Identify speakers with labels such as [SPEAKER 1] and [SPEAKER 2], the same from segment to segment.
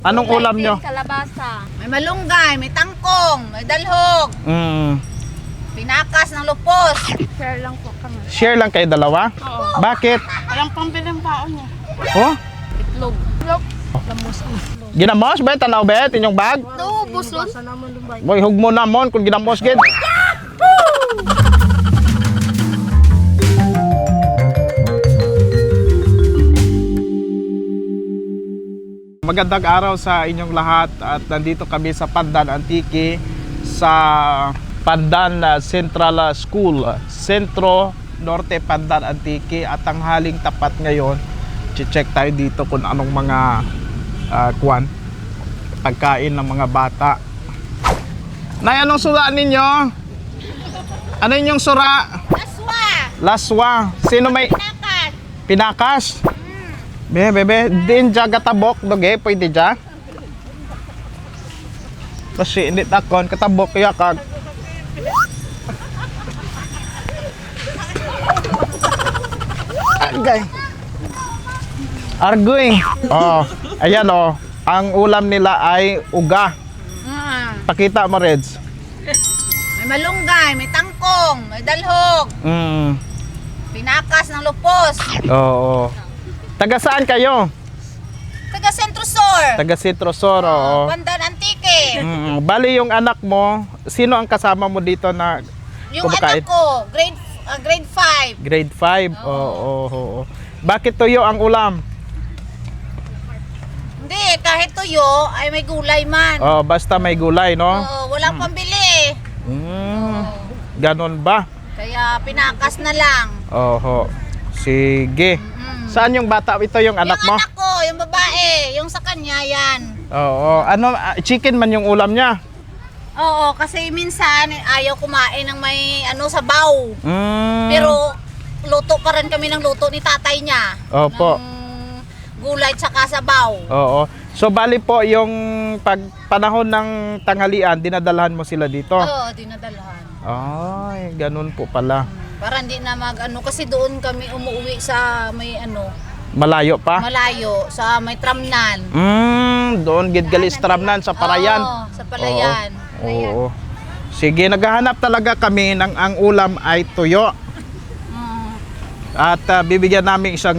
[SPEAKER 1] Anong ulam nyo?
[SPEAKER 2] Kalabasa. May malunggay, may tangkong, may dalhog. Pinakas ng lupos. Share lang po kami.
[SPEAKER 1] Share lang kayo dalawa?
[SPEAKER 2] Oo.
[SPEAKER 1] Bakit?
[SPEAKER 2] Walang pambiling baon niya.
[SPEAKER 1] Oh?
[SPEAKER 2] Itlog. Itlog. Lamos.
[SPEAKER 1] Ginamos ba? Tanaw ba? Inyong bag?
[SPEAKER 2] Oo, buson.
[SPEAKER 1] Boy, hug mo namon kung ginamos gid. Magandang araw sa inyong lahat at nandito kami sa Pandan Antique sa Pandan Central School, Sentro Norte Pandan Antique at ang haling tapat ngayon. Check tayo dito kung anong mga pagkain ng mga bata. Nay, anong sura ninyo? Ano yung sura?
[SPEAKER 2] Laswa.
[SPEAKER 1] Laswa. Sino may
[SPEAKER 2] Pinakas.
[SPEAKER 1] pinakas? Bebe, din dya katabok, doge, pwede dya? Kasi hindi takon, katabok kaya kag. Argay. Argoy. Oh, ayan oh. Ang ulam nila ay uga. Pakita mo, Reds.
[SPEAKER 2] May malunggay, may tangkong, may dalhog. Pinakas ng lupos.
[SPEAKER 1] Oo. Taga saan kayo?
[SPEAKER 2] Taga Sentro Sur.
[SPEAKER 1] Taga Sentro Sur, oo.
[SPEAKER 2] Pandan Antique.
[SPEAKER 1] Bali yung anak mo, sino ang kasama mo dito na
[SPEAKER 2] Yung
[SPEAKER 1] kumakain?
[SPEAKER 2] anak ko, grade 5.
[SPEAKER 1] Grade 5? Oo. Bakit tuyo ang ulam?
[SPEAKER 2] Hindi, kahit tuyo ay may gulay man.
[SPEAKER 1] Oh, basta may gulay, no?
[SPEAKER 2] Oo, walang pambili.
[SPEAKER 1] Ganon ba?
[SPEAKER 2] Kaya pinakas na lang.
[SPEAKER 1] Oho. Sige. Saan yung bata? Ito yung anak mo?
[SPEAKER 2] Yung anak ko, yung babae, yung sa kanya yan.
[SPEAKER 1] Oo. Ano, chicken man yung ulam niya?
[SPEAKER 2] Oo, kasi minsan ayaw kumain ng may sabaw. Pero luto pa rin kami ng luto ni tatay niya.
[SPEAKER 1] Opo.
[SPEAKER 2] Ng gulay tsaka sabaw.
[SPEAKER 1] Oo. So bali po yung panahon ng tanghalian, dinadalhan mo sila dito?
[SPEAKER 2] Oo, dinadalhan.
[SPEAKER 1] Ay, ganun po pala.
[SPEAKER 2] Para hindi na kasi doon kami umuwi sa may
[SPEAKER 1] Malayo pa?
[SPEAKER 2] malayo, sa may tramnan.
[SPEAKER 1] Doon gidgalis tramnan sa Parayan.
[SPEAKER 2] Oo, sa Palayan.
[SPEAKER 1] Oo. Sige, naghahanap talaga kami ng ang ulam ay tuyo. At bibigyan namin 1,000.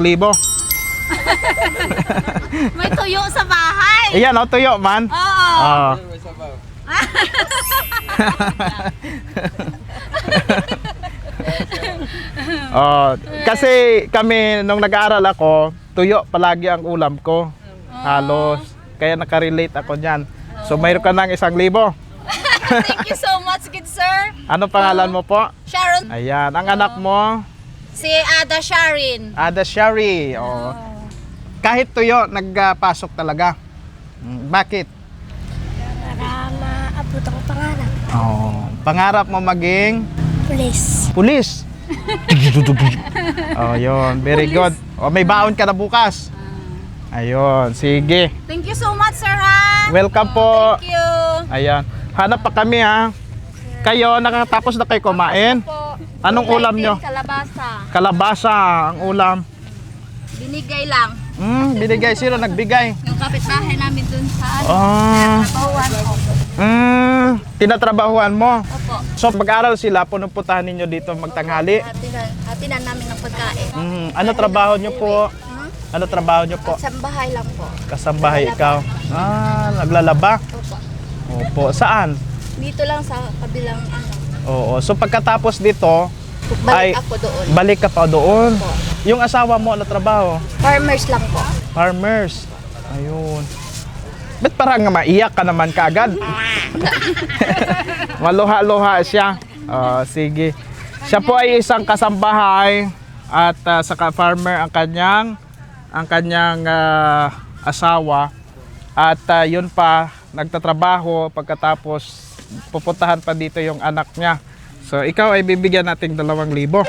[SPEAKER 2] May tuyo sa bahay.
[SPEAKER 1] Ayan, tuyo man.
[SPEAKER 2] Oo.
[SPEAKER 1] Kasi kami nung nag-aaral ako, tuyo palagi ang ulam ko. Halos. Kaya nakarelate ako niyan. So mayroon ka ng 1,000.
[SPEAKER 2] Thank you so much, good sir.
[SPEAKER 1] Ano pangalan mo po?
[SPEAKER 2] Sharon.
[SPEAKER 1] Ayan, ang anak mo?
[SPEAKER 2] Si Ada Sharin.
[SPEAKER 1] Ada Shari. Kahit tuyo, nagpasok talaga. Bakit?
[SPEAKER 3] Para maabot ang pangarap.
[SPEAKER 1] Pangarap mo maging?
[SPEAKER 3] Police.
[SPEAKER 1] Pulis. Yun. Very good. May baon ka na bukas. Ayun, sige.
[SPEAKER 2] Thank you so much, sir, ha?
[SPEAKER 1] Welcome po.
[SPEAKER 2] Thank you.
[SPEAKER 1] Ayan. Hanap pa kami, ha. Kayo, nakatapos na kayo kumain?
[SPEAKER 2] Po.
[SPEAKER 1] Anong ulam nyo?
[SPEAKER 2] Kalabasa.
[SPEAKER 1] Kalabasa ang ulam.
[SPEAKER 2] Binigay lang.
[SPEAKER 1] Binigay. Sino nagbigay?
[SPEAKER 2] Yung kapitbahay namin dun sa Bawan.
[SPEAKER 1] Tinatrabahuan mo?
[SPEAKER 2] Opo.
[SPEAKER 1] So mag-aral sila, punupuntahan ninyo dito magtanghali?
[SPEAKER 2] Hatinan namin ng pagkain.
[SPEAKER 1] Ano trabaho nyo po? Ano trabaho nyo po?
[SPEAKER 2] Sa bahay lang po.
[SPEAKER 1] Kasambahay ikaw? Naglalaba?
[SPEAKER 2] Opo.
[SPEAKER 1] Opo. Saan?
[SPEAKER 2] Dito lang sa kabilang
[SPEAKER 1] Oo. So pagkatapos dito,
[SPEAKER 2] Balik ako doon.
[SPEAKER 1] balik ka pa doon?
[SPEAKER 2] Opo.
[SPEAKER 1] Yung asawa mo, ano trabaho?
[SPEAKER 2] Farmers lang po.
[SPEAKER 1] Farmers. Ayun. Ba't parang maiyak ka naman kaagad? Maluha-luha siya. Sige. Siya po ay isang kasambahay at saka farmer ang kanyang asawa. At yun pa, nagtatrabaho pagkatapos pupuntahan pa dito yung anak niya. So ikaw ay bibigyan nating 2,000.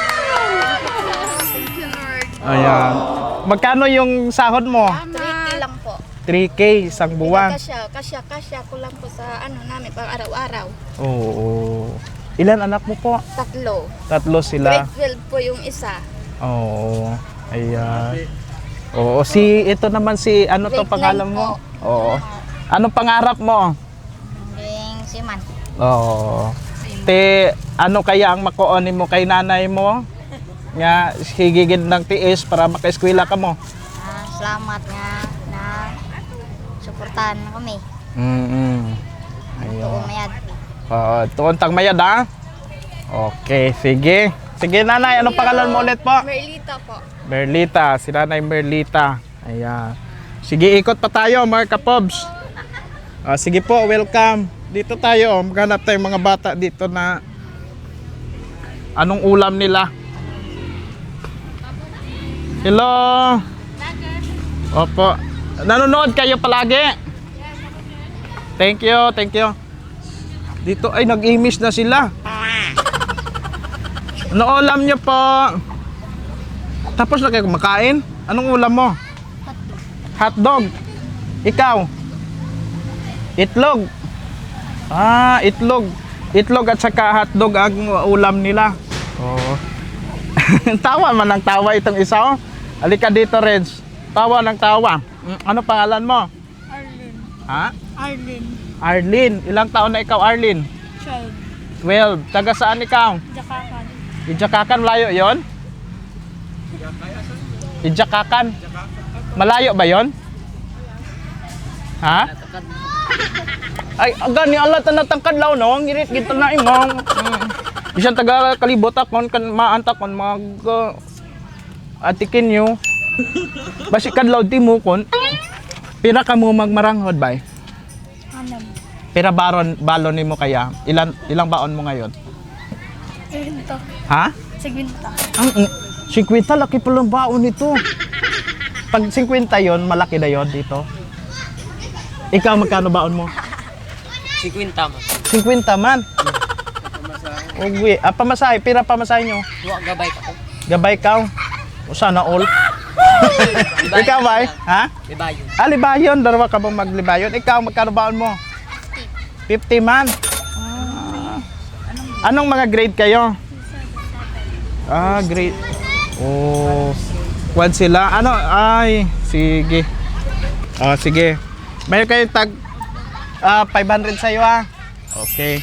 [SPEAKER 1] Ayan. Magkano yung sahod mo?
[SPEAKER 2] 3K lang po.
[SPEAKER 1] 3K isang buwan.
[SPEAKER 2] Kasya ko lang po sa namin pang araw-araw.
[SPEAKER 1] Oo. Ilan anak mo po?
[SPEAKER 2] 3.
[SPEAKER 1] 3 sila.
[SPEAKER 2] Grade 12 po yung isa.
[SPEAKER 1] Oo. Ayan. Oo, ito naman si, ano to
[SPEAKER 2] Grade
[SPEAKER 1] pangalan
[SPEAKER 2] 9
[SPEAKER 1] mo?
[SPEAKER 2] po.
[SPEAKER 1] Oo. Anong pangarap mo?
[SPEAKER 2] Yung siman.
[SPEAKER 1] Oo. Te, ano kaya ang makuonin mo kay nanay mo? Nga, higigid ng tiis para maka-eskwela ka mo.
[SPEAKER 2] Salamat nga na suportahan na kami.
[SPEAKER 1] Ayun.
[SPEAKER 2] Umayad.
[SPEAKER 1] Oo, tuon tang mayad ha? Okay, sige. Sige nanay, anong pangalan mo ulit po?
[SPEAKER 2] Merlita po.
[SPEAKER 1] Merlita, si nanay Merlita. Ayan. Sige, ikot pa tayo mga kapobs. Sige po, welcome. Dito tayo, maghanap tayong mga bata dito na anong ulam nila. Hello. Opo. Nanonood kayo palagi? Thank you, thank you. Dito ay nag-imish na sila. Ano ulam niyo po? Tapos na kayo kumakain? Anong ulam mo? Hotdog. Ikaw? Itlog. Itlog. Itlog at saka hotdog ang ulam nila. Oh. Tawa man ng tawa itong isa oh. Halika dito, Reds. Tawa ng tawa. Ano pangalan mo?
[SPEAKER 3] Arlene.
[SPEAKER 1] Ha?
[SPEAKER 3] Arlene.
[SPEAKER 1] Arlene. Ilang taon na ikaw, Arlene?
[SPEAKER 3] Child.
[SPEAKER 1] 12. Taga saan ikaw?
[SPEAKER 3] Jakakan.
[SPEAKER 1] Idjakakan, malayo yon? Idjakakan. Malayo ba yon? Ha? Ay, gani ala tanatangkad law no, ngirit gito na imong. Bisan taga kalibot akon kan maanta kon mag atikin nyo. Basi kadlaw ti mo kon. Pira ka mo magmaranghod bay?
[SPEAKER 3] Anam.
[SPEAKER 1] Pira balon nimo kaya? Ilang baon mo ngayon?
[SPEAKER 3] Segwinta.
[SPEAKER 1] Ha?
[SPEAKER 3] Segwinta.
[SPEAKER 1] Ang 50 laki pa lang baon nito. Pag 50 yon, malaki na yon dito. Ikaw magkano baon mo?
[SPEAKER 4] 50 man.
[SPEAKER 1] 50 man. Ugwi, pamasahe, pira pamasahe nyo?
[SPEAKER 4] Duwa gabay ka ko.
[SPEAKER 1] Gabay ka. O sana all. Ikaw ba? Ha?
[SPEAKER 4] Libayon.
[SPEAKER 1] Libayon, darawa ka bang maglibayon? Ikaw magkano baon mo? 50 man. Anong mga grade kayo? Grade. Oh. Kwan sila. Ano? Ay, sige. Sige. Mayroon kayong tag 500 sa'yo Okay.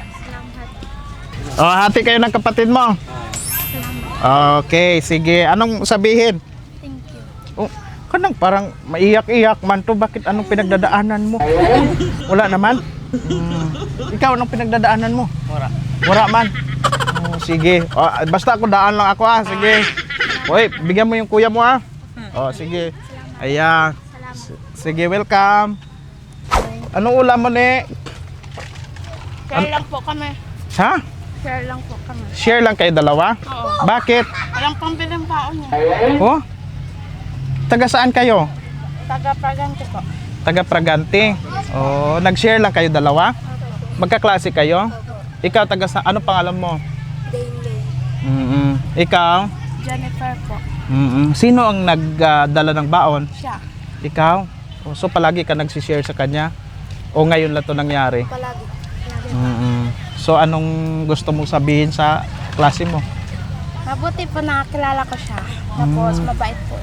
[SPEAKER 1] Hati kayo ng kapatid mo. Okay, sige. Anong sabihin?
[SPEAKER 3] Thank you.
[SPEAKER 1] Kanang parang maiyak-iyak man to. Bakit anong pinagdadaanan mo? Wala naman? Ikaw, anong pinagdadaanan mo?
[SPEAKER 4] Mura.
[SPEAKER 1] Wala man? Sige. Basta ako daan lang ako Sige. Hoy, bigyan mo yung kuya mo sige. Ayan. Sige, welcome. Anong ulam mo ni?
[SPEAKER 3] Share lang po kami.
[SPEAKER 1] Ha?
[SPEAKER 3] Share lang po kami.
[SPEAKER 1] Share lang kayo dalawa?
[SPEAKER 3] Oo.
[SPEAKER 1] Bakit?
[SPEAKER 3] Walang pambiling baon niya.
[SPEAKER 1] Oh? Taga saan kayo?
[SPEAKER 3] Taga-Pragante po.
[SPEAKER 1] Taga Pragante. Nag-share lang kayo dalawa? Magkaklase kayo? Ikaw taga sa ano pangalan mo?
[SPEAKER 3] Daily.
[SPEAKER 1] Ikaw?
[SPEAKER 3] Jennifer po.
[SPEAKER 1] Sino ang nagdala ng baon?
[SPEAKER 3] Siya.
[SPEAKER 1] Ikaw? So palagi ka nagsishare sa kanya? O ngayon lang 'to nangyari?
[SPEAKER 3] Palagi.
[SPEAKER 1] So anong gusto mong sabihin sa klase mo?
[SPEAKER 3] Mabuti po nakakilala ko siya. Tapos mabait po.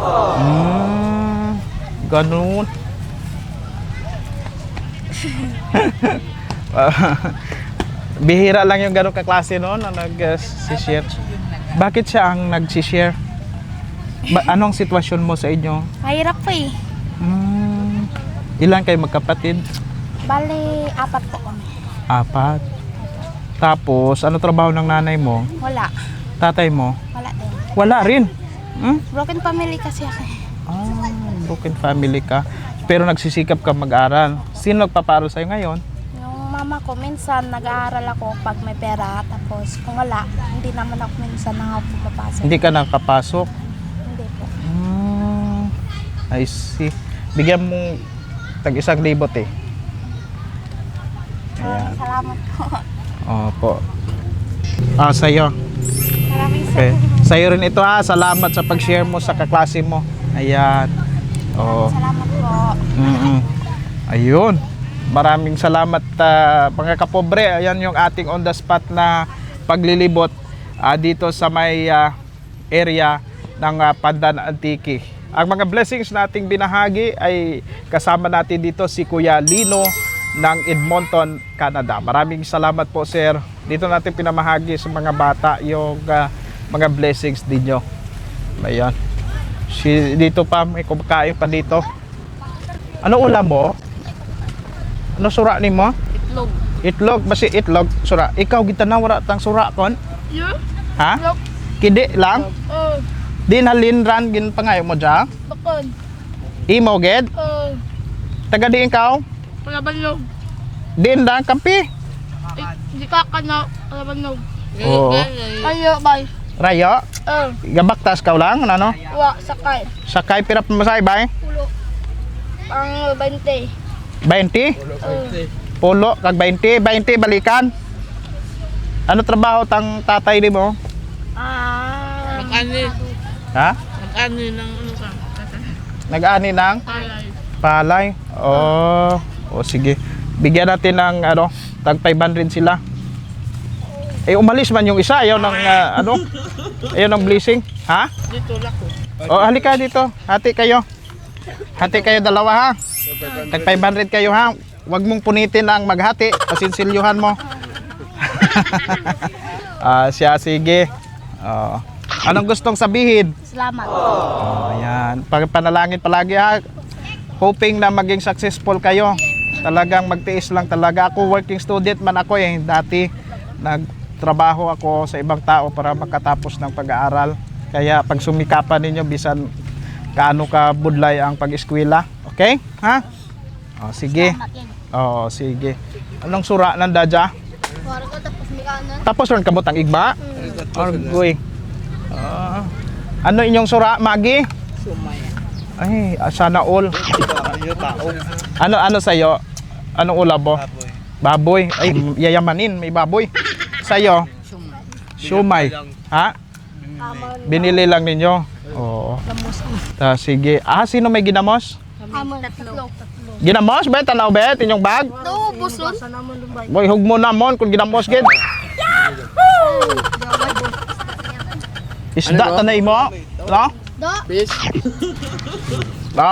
[SPEAKER 1] Ganun. Bihira lang yung ganun kaklase no na nag-share. Bakit siya ang nag-share? Anong sitwasyon mo sa inyo?
[SPEAKER 3] Mahirap po eh.
[SPEAKER 1] Ilan kayo magkapatid?
[SPEAKER 3] Bali, 4 po kami.
[SPEAKER 1] 4. Tapos, ano trabaho ng nanay mo?
[SPEAKER 3] Wala.
[SPEAKER 1] Tatay mo?
[SPEAKER 3] Wala din.
[SPEAKER 1] Wala rin.
[SPEAKER 3] Broken family kasi ako.
[SPEAKER 1] Broken family ka. Pero nagsisikap ka mag-aral. Sino nagpapaaral sa'yo ngayon?
[SPEAKER 3] Yung mama ko, minsan nag-aaral ako pag may pera. Tapos kung wala, hindi naman ako minsan pumapasok.
[SPEAKER 1] Hindi ka nakapasok?
[SPEAKER 3] Hindi po.
[SPEAKER 1] I see. Bigyan mo tag 1,000 Ayan.
[SPEAKER 3] Salamat po.
[SPEAKER 1] Opo. Sa'yo.
[SPEAKER 3] Maraming
[SPEAKER 1] Okay.
[SPEAKER 3] salamat.
[SPEAKER 1] Sa'yo rin ito Salamat sa pag-share mo sa kaklase mo. Ayan.
[SPEAKER 3] Salamat po.
[SPEAKER 1] Ayun. Maraming salamat mga kapobre. Ayan yung ating on the spot na paglilibot dito sa may area ng Pandan Antique. Ang mga blessings na ating binahagi ay kasama natin dito si Kuya Lino ng Edmonton, Canada. Maraming salamat po, sir. Dito natin pinamahagi sa mga bata yung mga blessings dinyo. Ayan. Dito pa, may kumakain pa dito. Ano ulam mo? Ano sura ni mo?
[SPEAKER 3] Itlog.
[SPEAKER 1] Itlog, basi itlog, sura. Ikaw gitanaw wala tang sura kon?
[SPEAKER 3] Yeah?
[SPEAKER 1] Ha?
[SPEAKER 3] Itlog.
[SPEAKER 1] Kidi lang?
[SPEAKER 3] Oh,
[SPEAKER 1] Din halinran gin pangayo mo dya?
[SPEAKER 3] bakon.
[SPEAKER 1] Imo ged?
[SPEAKER 3] Oh,
[SPEAKER 1] Taga di ikaw?
[SPEAKER 3] palabanog.
[SPEAKER 1] Din lang kampi?
[SPEAKER 3] Di ka na, palabanog.
[SPEAKER 1] Oo.
[SPEAKER 3] Ayo, bye.
[SPEAKER 1] Rayo?
[SPEAKER 3] Oh,
[SPEAKER 1] Gabaktas ka lang ano?
[SPEAKER 3] wa, sakay.
[SPEAKER 1] Sakay pirap masay bay?
[SPEAKER 3] Pulo. Ang 20.
[SPEAKER 1] 20?
[SPEAKER 3] Oh,
[SPEAKER 1] Pulo kag 20, 20 balikan. Ano trabaho tang tatay ni mo?
[SPEAKER 3] Mag-ani.
[SPEAKER 1] Ha?
[SPEAKER 3] Mag-ani ng ano ka?
[SPEAKER 1] Nag-ani ng
[SPEAKER 3] Palay.
[SPEAKER 1] palay. Oh, sige. Bigyan natin ng ano, tag 500 sila. Eh umalis man yung isa, ayaw ng ano? Ayaw ng blessing. Ha?
[SPEAKER 3] Dito lako.
[SPEAKER 1] Oh, halika dito. Hati kayo. Hati kayo dalawa ha. Tag 500 kayo ha. Huwag mong punitin ang maghati. Pasinsilyuhan mo. Siya, sige. Anong gustong sabihin?
[SPEAKER 3] Salamat.
[SPEAKER 1] Ayan. Panalangin palagi ha. Hoping na maging successful kayo. Talagang magtiis lang talaga. Ako working student man ako eh. Dati nagtrabaho ako sa ibang tao para makatapos ng pag-aaral. Kaya pag sumikapan ninyo bisan kaano ka budlay ang pag-eskwela. Okay? Ha? Sige. Sige. Anong sura ng dadya?
[SPEAKER 3] Wala ko tapos may kanan.
[SPEAKER 1] Tapos ron kamot ang igba? Argoy. Ano inyong sura, Magi? Ay, sana all. Ano sa'yo? Anong ulab mo? Baboy. Ay, yayamanin, may baboy. Sa'yo? Shumay. Ha? Binili lang ninyo? Oo. Sige. Sino may ginamos?
[SPEAKER 3] Tatlo.
[SPEAKER 1] Ginamos, bet? Tanaw, bet? Inyong bag?
[SPEAKER 3] No, buson.
[SPEAKER 1] Boy, hug mo namon kung ginamos, gid. Isda tanay mo? No?
[SPEAKER 3] Do.
[SPEAKER 4] Fish.
[SPEAKER 1] No?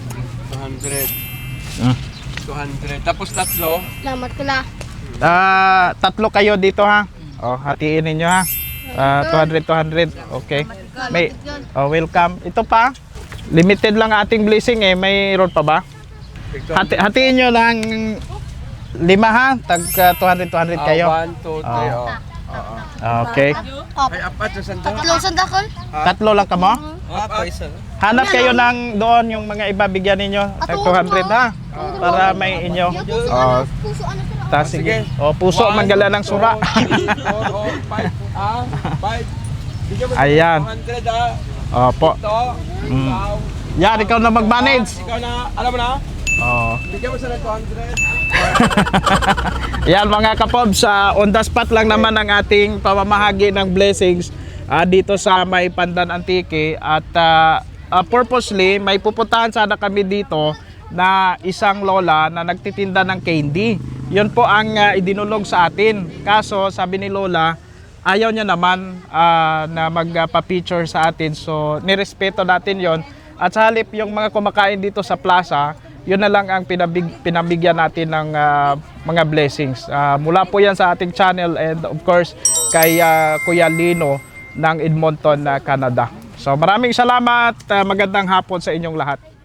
[SPEAKER 4] 200. 200. Tapos tatlo.
[SPEAKER 3] Salamat ko na.
[SPEAKER 1] Tatlo kayo dito ha. Hatiin ninyo ha. 200. Okay. May welcome. Ito pa. Limited lang ating blessing eh. Mayroon pa ba? Hatiin nyo lang 5 ha. Tag 200 kayo.
[SPEAKER 4] 1, 2, 3.
[SPEAKER 1] Okay.
[SPEAKER 4] Ay, apat na sandal.
[SPEAKER 3] Tatlong sandakol.
[SPEAKER 1] Tatlo lang ka mo?
[SPEAKER 4] Isa.
[SPEAKER 1] Hanap kayo ng doon yung mga iba bigyan ninyo. Tag 200 ha. Para may inyo.
[SPEAKER 3] Puso ano sila?
[SPEAKER 1] Ta sige. Puso manggala ng sura.
[SPEAKER 4] 5. 5.
[SPEAKER 1] Ayan.
[SPEAKER 4] 200
[SPEAKER 1] Opo.
[SPEAKER 4] Ito.
[SPEAKER 1] Mm. Yan, ikaw na mag-manage.
[SPEAKER 4] Ikaw na, alam mo na? Bigyan mo sa 200.
[SPEAKER 1] Yan mga kapob, on the spot lang naman ang ating pamamahagi ng blessings dito sa may Pandan Antique. At purposely, may pupuntahan sana kami dito na isang lola na nagtitinda ng candy. Yun po ang idinulog sa atin. Kaso sabi ni lola, ayaw niya naman na magpa-picture sa atin. So nirespeto natin yon. At sa halip yung mga kumakain dito sa plaza, yun na lang ang pinabigyan natin ng mga blessings. Mula po yan sa ating channel and of course kay Kuya Lino ng Edmonton, Canada. So maraming salamat, magandang hapon sa inyong lahat.